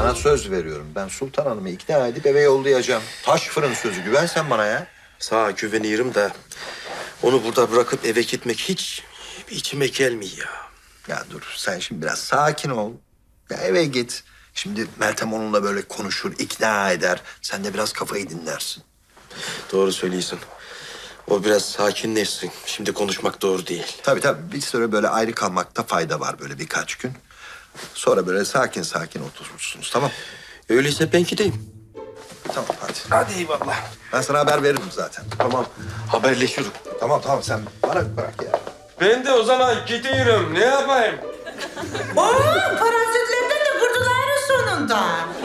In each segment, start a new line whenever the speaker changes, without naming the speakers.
sana söz veriyorum. Ben Sultan Hanım'ı ikna edip eve yollayacağım. Taş fırın sözü. Güven sen bana ya.
Sağa güveniyorum da onu burada bırakıp eve gitmek hiç içime gelmiyor ya.
Ya dur sen şimdi biraz sakin ol. Ya eve git. Şimdi Meltem onunla böyle konuşur, ikna eder. Sen de biraz kafayı dinlersin.
Doğru söylüyorsun. O biraz sakinleşsin. Şimdi konuşmak doğru değil.
Tabii tabii bir süre böyle ayrı kalmakta fayda var böyle birkaç gün. Sonra böyle sakin sakin oturursunuz tamam.
Öyleyse ben gideyim.
Tamam hadi.
Hadi eyvallah.
Ben sana haber veririm zaten.
Tamam. Haberleşiyoruz.
Tamam tamam sen bana bırak ya.
Ben de o zaman gidiyorum. Ne yapayım?
Oo, parazitlerden de kurtular sonunda.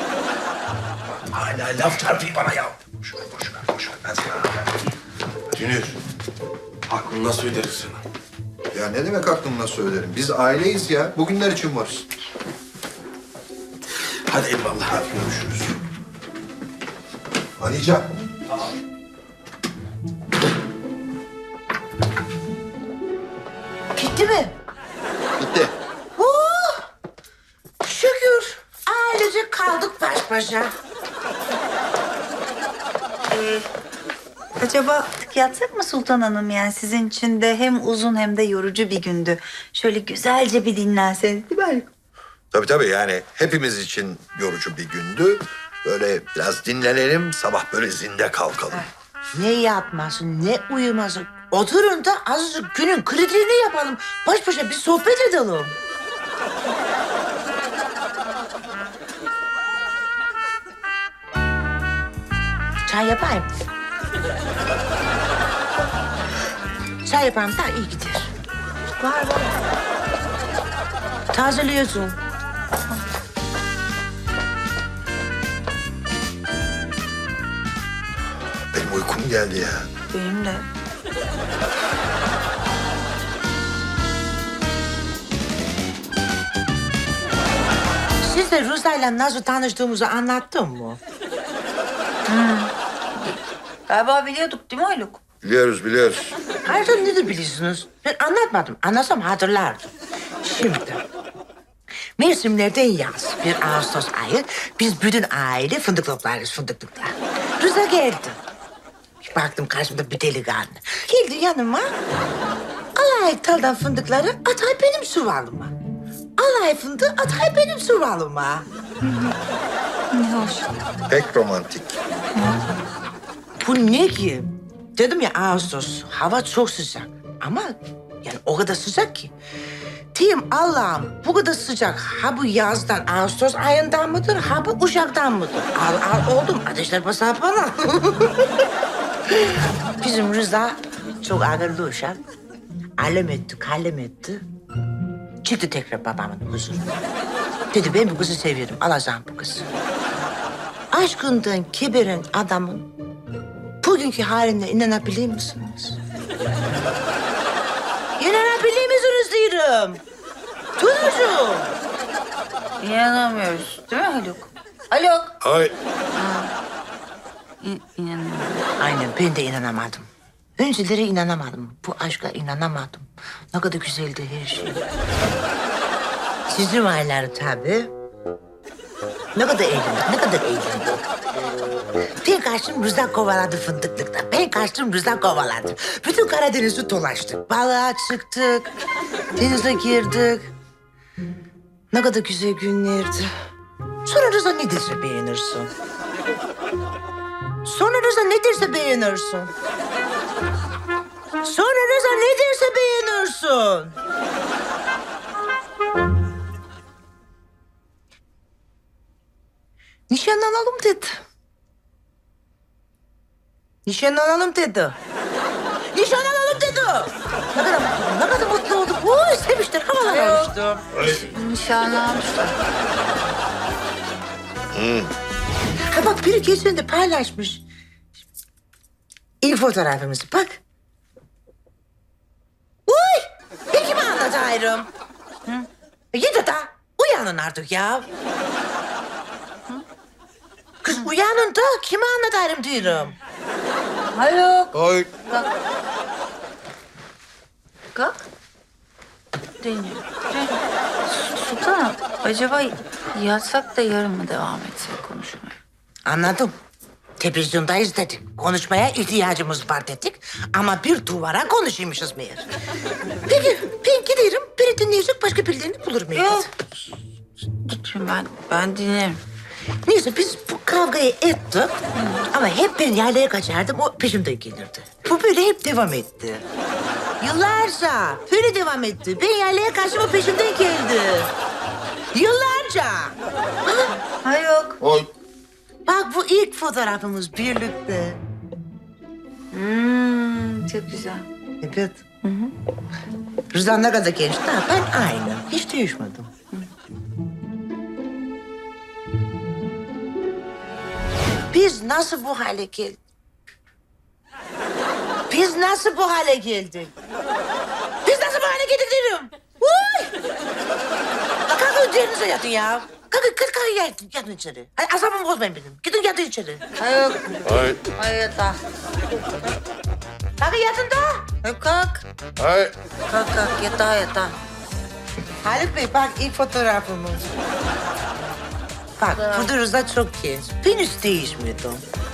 Hala laf çarpıyor bana ya. Boş ver. Ben sana haber vereyim.
Dünür. Aklını nasıl öderiz sana?
Ya ne demek aklımla söylerim? Biz aileyiz ya. Bugünler için varız.
Hadi eyvallah.
Hadi görüşürüz. Alican.
Gitti mi?
Bitti.
Şükür. Ailece kaldık baş başa.
Acaba artık yatsak mı Sultan Hanım? Yani sizin için de hem uzun hem de yorucu bir gündü. Şöyle güzelce bir dinlenseniz değil mi?
Tabii yani hepimiz için yorucu bir gündü. Böyle biraz dinlenelim, sabah böyle zinde kalkalım.
Ne yatması, ne uyuması. Oturun da azıcık günün kritiğini yapalım. Baş başa bir sohbet edelim. Çay yapayım. Çay yaparım da iyi gider. Var. Tazeliyorsun.
Benim uykum geldi ya.
Benim de.
Size Ruza'yla nasıl tanıştığımızı anlattım mı?
Galiba biliyorduk değil mi Haluk?
Biliyoruz.
Ayrıca nedir biliyorsunuz? Ben anlatmadım. Anlatsam hatırlardım. Şimdi mevsimlerden yaz. Bir Ağustos ayı. Biz bütün aile fındık toplarız fındıklıkta. Rıza geldi. Bir baktım karşımda bir delikanlı. Geldi yanıma. Alay taldan fındıkları atay benim suvalıma. Alay fındığı atay benim suvalıma.
Ne hoş.
Pek romantik.
Bu ne ki? Dedim ya Ağustos, hava çok sıcak. Ama yani o kadar sıcak ki. Diyeyim Allah'ım bu kadar sıcak ha bu yazdan Ağustos ayından mıdır ha bu Uşak'tan mıdır? Al oldum ateşler basar bana. Bizim Rıza çok akıllı uşak. Alem etti, kalem etti. Çıktı tekrar babamın huzuruna. Dedi ben bu kızı seviyorum, alacağım bu kızı. Aşkından kiberen adamın bugünkü haline inanabilir misiniz? İnanabilir misiniz diyorum. Tunucuğum.
İnanamıyoruz değil mi Haluk? Haluk.
Ay.
İnanamıyorum.
Aynen ben de inanamadım. Önceleri inanamadım. Bu aşka inanamadım. Ne kadar güzeldi her şey. Sizin ayları tabii. Ne kadar eğlendik. Ben kaçtım Rıza kovaladı fındıklıkta. Ben kaçtım Rıza kovaladı. Bütün Karadeniz'i dolaştık. Balığa çıktık. Denize girdik. Ne kadar güzel günlerdi. Sonra Rıza ne derse beğenirsin. Sonra Rıza ne derse beğenirsin. Nişanlanalım dedi. Nişanlanalım dedi. Ne kadar mutlu olduk. Oy seviştir, havalar alıştı.
Nişanlanmışlar.
Ha bak biri geçen de paylaşmış. İlk fotoğrafımızı bak. Uy! Ben kime anlatayım? Yedi da uyanın artık ya. Kız uyanın da kime anlatayım diyorum.
Haluk.
Ay.
Kalk. Deniyor. Sultanım, acaba yatsak da yarın mı devam etsek konuşmaya?
Anladım. Televizyondayız dedik. Konuşmaya ihtiyacımız var dedik. Ama bir duvara konuşuyormuşuz meğer. Peki ben giderim. Beni dinleyecek başka birilerini bulurum.
Yok. Gitmeyeyim ben dinlerim.
Neyse biz bu kavgayı ettik. Ama hep ben yaylaya kaçardım. O peşimden gelirdi. Bu böyle hep devam etti. Yıllarca böyle devam etti. Ben yaylaya kaçtım, o peşimden geldi. Yıllarca.
Ha yok.
Oy.
Bak bu ilk fotoğrafımız birlikte.
Çok güzel.
Evet. Rıza ne kadar genç daha ben aynı. Hiç değişmedim. Biz nasıl bu hale geldik? Biz nasıl bu hale geldik? Biz nasıl bu hale geldik diyorum. Uy! La kalkın üzerinize yatın ya. Kalkın yatın içeri. Hadi asabımı bozmayın benim. Gidin yatın içeri.
Ha yok.
Hayır.
Hayır da.
Kalkın yatın da.
Kalk.
Hayır.
Kalk yatağa.
Haluk Bey bak ilk fotoğrafımız. Bak burada Rıza çok genç. Ben hiç değişmedim.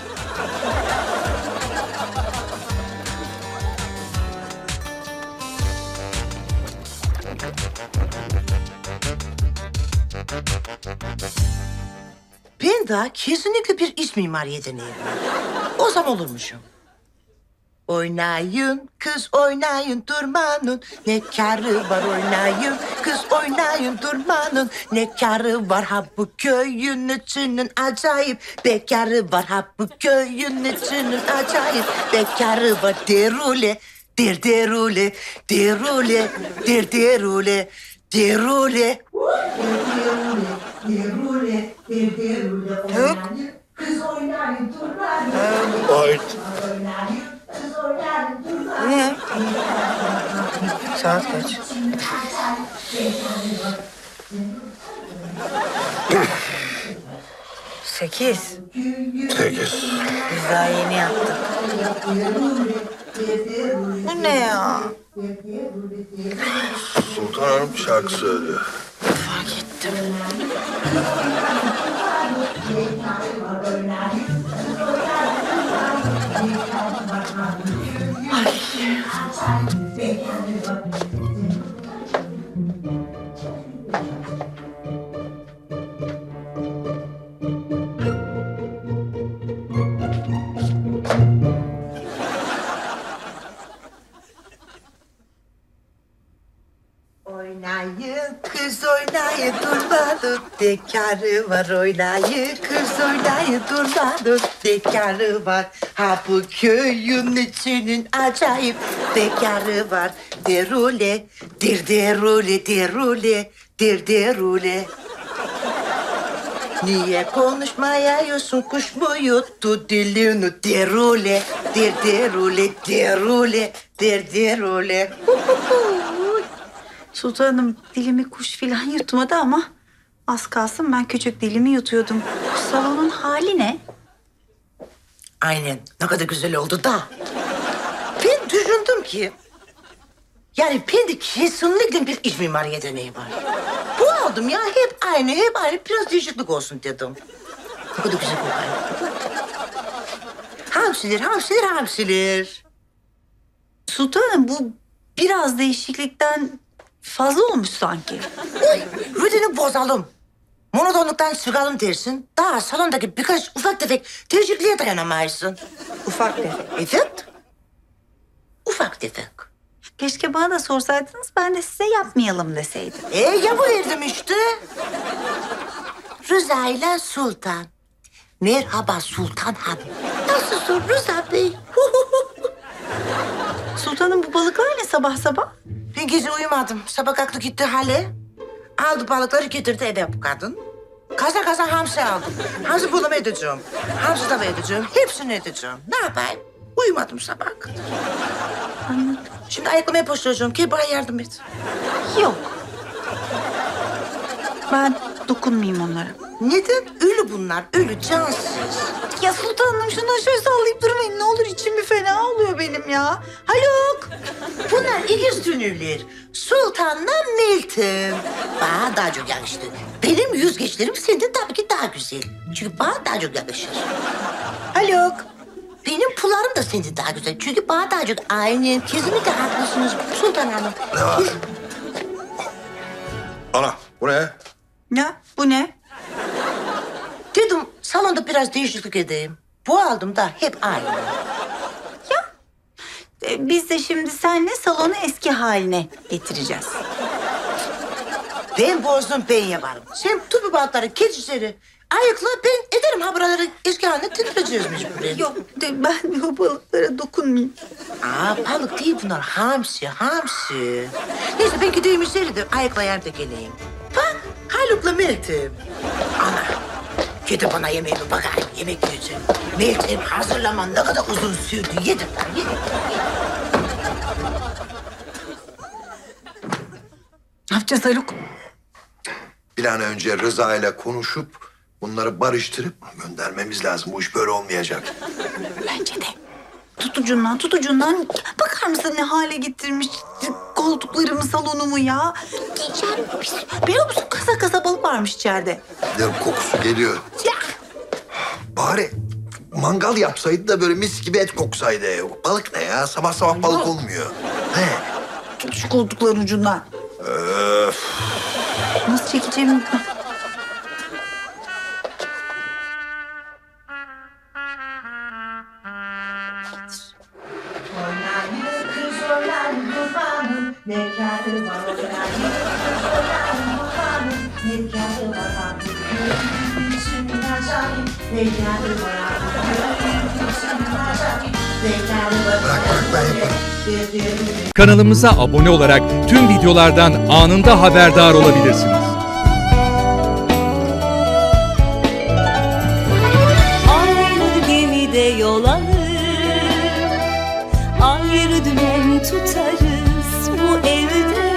Ben de kesinlikle bir iç mimar yeteneği var. O zaman olurmuşum. Oynayın kız oynayın durmanın ne kârı var oynayın kız oynayın durmanın ne kârı var ha bu köyün içinin acayip bekarı var ha bu köyün içinin acayip bekarı var derule derule derule derule derule
Yok.
Hayır.
Ne? Saat kaç? Sekiz.
8.
Biz daha yeni yaptık. Bu ne ya?
Sultan Hanım şarkı söylüyor.
Fark ettim.
Oynayın kız oynayın durmadın bekarı var oynayın kız oynayın durmadın bekarı var ha bu köyün içinin acayip bekarı var derule derule derule derule Niye konuşmayıyorsun kuş mu yuttu dilini derule derule derule derule
Sultanım dilimi kuş filan yutmadı ama az kalsın ben küçük dilimi yutuyordum. Bu salonun hali ne?
Aynen. Ne kadar güzel oldu da. Ben düşündüm ki... Yani bende kesinlikle bir iç mimar yeteneği var. Bu aldım ya hep aynı. Biraz değişiklik olsun dedim. Ne kadar güzel kokuyor. Hamsiler.
Sultanım bu biraz değişiklikten fazla olmuş sanki.
Uy, rutini bozalım. Monotonluktan çıkalım dersin. Daha salondaki birkaç ufak tefek değişikliğe dayanamayısın.
Ufak tefek.
Evet. Ufak tefek.
Keşke bana da sorsaydınız ben de size yapmayalım deseydim.
Yapıverdim işte. Rıza ile Sultan. Merhaba Sultan Hanım. Nasılsın Rıza Bey?
Sultanım bu balıklar ne sabah sabah?
Ben gece uyumadım. Sabah kalktı gitti hale. Aldı balıkları getirdi eve bu kadın. Kaza hamsi aldım. Hamsi bulumu edeceğim. Hamsi tava edeceğim. Hepsini edeceğim. Ne yapayım? Uyumadım sabah kadar.
Anladım.
Şimdi ayaklamaya başlayacağım. Gel bana yardım et.
Yok. Ben dokunmayayım onlara.
Neden? Ölü bunlar, ölü, cansız.
Ya sultanım şundan şöyle sallayıp durmayın. Ne olur içim bir fena oluyor benim ya. Haluk.
Bunlar ikiz dünürler. Sultanla Meltem. Bana daha çok yakıştı. Benim yüzgeçlerim senden tabii ki daha güzel. Çünkü bana daha çok yakışır.
Haluk.
Benim pullarım da senden daha güzel. Çünkü bana daha çok aynı. Kesinlikle haklısınız Sultan Hanım.
Ne var? Ana bu ne?
Ya bu ne?
Dedim salonda biraz değişiklik edeyim. Bu aldım da hep aynı.
Biz de şimdi seninle salonu eski haline getireceğiz.
Ben bozdum, ben yaparım. Sen tut bu bantları, geç içeri. Ayıkla, ben ederim ha buraları eski haline getireceğiz mecburen.
Yok ben o balıklara dokunmayayım.
Balık değil bunlar, hamsi, hamsi. Neyse ben gideyim içeri de ayıklayayım da geleyim. Bak, Haluk'la Meltem. Ana, gidip bana yemeğimi bakayım, yemek yiyeceğim. Meltem hazırlaman ne kadar uzun sürdü, yedim lan, yedim.
Ne yapacağız Haluk?
Bir an önce Rıza ile konuşup bunları barıştırıp göndermemiz lazım. Bu iş böyle olmayacak.
Bence de. Tut ucundan. Bakar mısın ne hale getirmiş koltuklarımı, salonumu ya? İçeride pis. Biliyor musun kasa kasa balık varmış içeride.
Ne kokusu geliyor.
Ya.
Bari mangal yapsaydı da böyle mis gibi et koksaydı. Balık ne ya? Sabah sabah balık olmuyor. He.
Tut şu koltukların ucundan.
Öf.
Nasıl çekeceğimi...
Bırak ben yaparım.
Kanalımıza abone olarak tüm videolardan anında haberdar olabilirsiniz.
Aynı gemide yol alır, ayrı dümen tutarız bu evde.